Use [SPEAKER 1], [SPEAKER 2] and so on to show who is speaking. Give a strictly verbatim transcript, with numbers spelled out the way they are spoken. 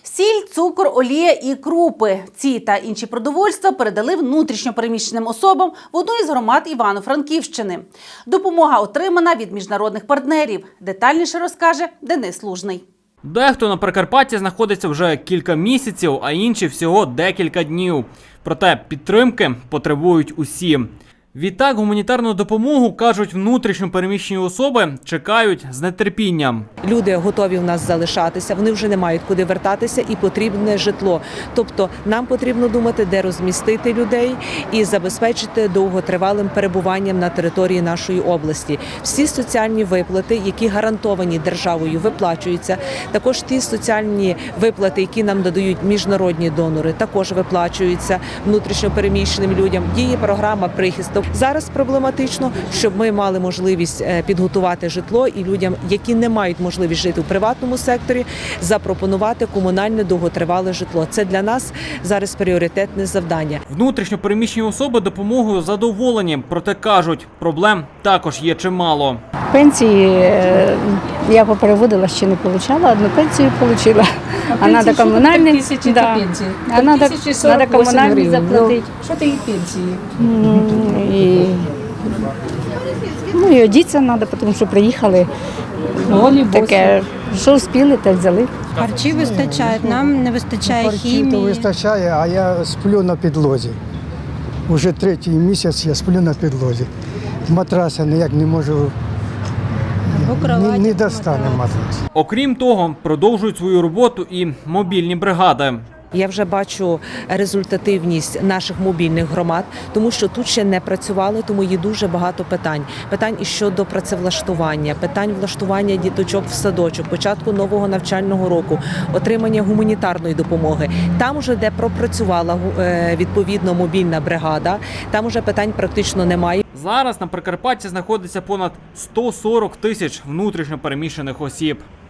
[SPEAKER 1] Сіль, цукор, олія і крупи. Ці та інші продовольства передали внутрішньо переміщеним особам в одну із громад Івано-Франківщини. Допомога отримана від міжнародних партнерів. Детальніше розкаже Денис Лужний.
[SPEAKER 2] Дехто на Прикарпатті знаходиться вже кілька місяців, а інші всього декілька днів. Проте підтримки потребують усі. Відтак гуманітарну допомогу, кажуть внутрішньо переміщені особи, чекають з нетерпінням.
[SPEAKER 3] Люди готові у нас залишатися, вони вже не мають куди вертатися і потрібне житло. Тобто нам потрібно думати, де розмістити людей і забезпечити довготривалим перебуванням на території нашої області. Всі соціальні виплати, які гарантовані державою, виплачуються. Також ті соціальні виплати, які нам надають міжнародні донори, також виплачуються внутрішньо переміщеним людям. Діє програма «Прихисток». Зараз проблематично, щоб ми мали можливість підготувати житло і людям, які не мають можливість жити у приватному секторі, запропонувати комунальне довготривале житло. Це для нас зараз пріоритетне завдання.
[SPEAKER 2] Внутрішньо переміщені особи допомогою задоволені, проте кажуть, проблем також є чимало.
[SPEAKER 4] Пенсії я попереводила, ще не отримала, одну пенсію отримала. А треба комунальні,
[SPEAKER 5] тисячі
[SPEAKER 4] да.
[SPEAKER 5] пенсії.
[SPEAKER 4] А треба, треба комунальні заплатити.
[SPEAKER 5] Що ти пенсії?
[SPEAKER 4] І, ну і одіться треба, тому що приїхали.
[SPEAKER 5] Голі,
[SPEAKER 4] Таке, що встигли, те взяли.
[SPEAKER 6] Харчі вистачають, нам не вистачає
[SPEAKER 7] Харчів то
[SPEAKER 6] хімії.
[SPEAKER 7] вистачає, а я сплю на підлозі. Уже третій місяць я сплю на підлозі. Матраса ніяк не можу, не, не достане матрас.
[SPEAKER 2] Окрім того, продовжують свою роботу і мобільні бригади.
[SPEAKER 3] Я вже бачу результативність наших мобільних громад, тому що тут ще не працювали, тому є дуже багато питань. Питань і щодо працевлаштування, питань влаштування діточок в садочок, початку нового навчального року, отримання гуманітарної допомоги. Там уже де пропрацювала е, відповідно мобільна бригада, там уже питань практично немає.
[SPEAKER 2] Зараз на Прикарпатті знаходиться понад сто сорок тисяч внутрішньо переміщених осіб.